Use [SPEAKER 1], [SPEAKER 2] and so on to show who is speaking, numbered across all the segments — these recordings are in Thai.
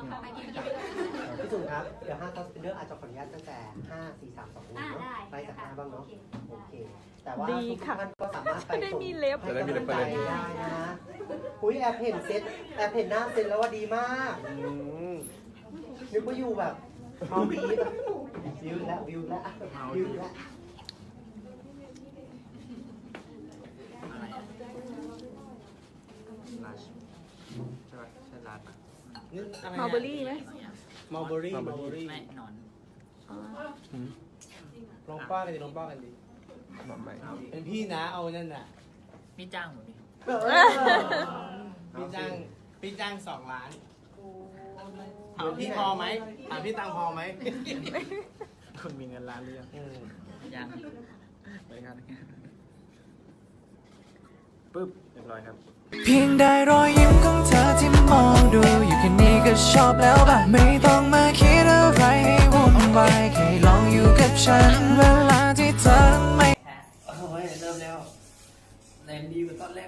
[SPEAKER 1] พี่จุ๋มครับเดี๋ยว5 Top Spinner อาจจะขออนุญาตตั้งแต่5 4 3 2 1เนาะไปจาก5บ้างเนาะโอเคแต่ว่าทุกท่านก็สามารถไปส่งให้กำลังใจได้นะอุ้ยแอบเห็นหน้าเซ็ตแล้วว่าดีมากนึกว่าอยู่แบบเอาดีวิวแล้ว
[SPEAKER 2] ลาชใช่ป่ะใช่ลาชป่ะ
[SPEAKER 3] มัลเบอรี่ไหม
[SPEAKER 4] มัลเบอรี่
[SPEAKER 2] ไม่นอน
[SPEAKER 4] ลองป้ากันดิลองป้ากันดิเป็นพี่นะเอานั่นน่ะ
[SPEAKER 2] นี่จ้างหมดดิ
[SPEAKER 4] พี่จ้าง2 ล้านถามพี่พอไหมถามพี่ตังพอไหม
[SPEAKER 2] คุณมีเงินล้านหรือยังยังไปกันปึ๊บเรียบร้อยครับ
[SPEAKER 5] เพียงได้รอยยิ้มของเธอที่มองดูอยู่แค่นี้ก็ชอบแล้วป่ะไม่ต้องมาคิดอะไรให้วุ่นวายแค่ลองอยู่กับฉันเวลาที่เธอไม่
[SPEAKER 2] โอ้ยเริ่มแล้วแรงดีกว่าตอนแรก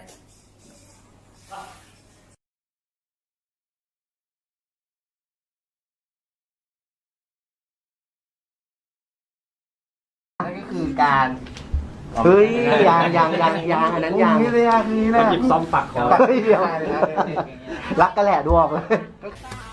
[SPEAKER 1] นั่นก็คือการเฮ้ยยังอันนั้นยังนี่เลยนี่แหละหยิบซ่อมปักคอเฮ้ยเดียวรักกันแหละดูออกเลย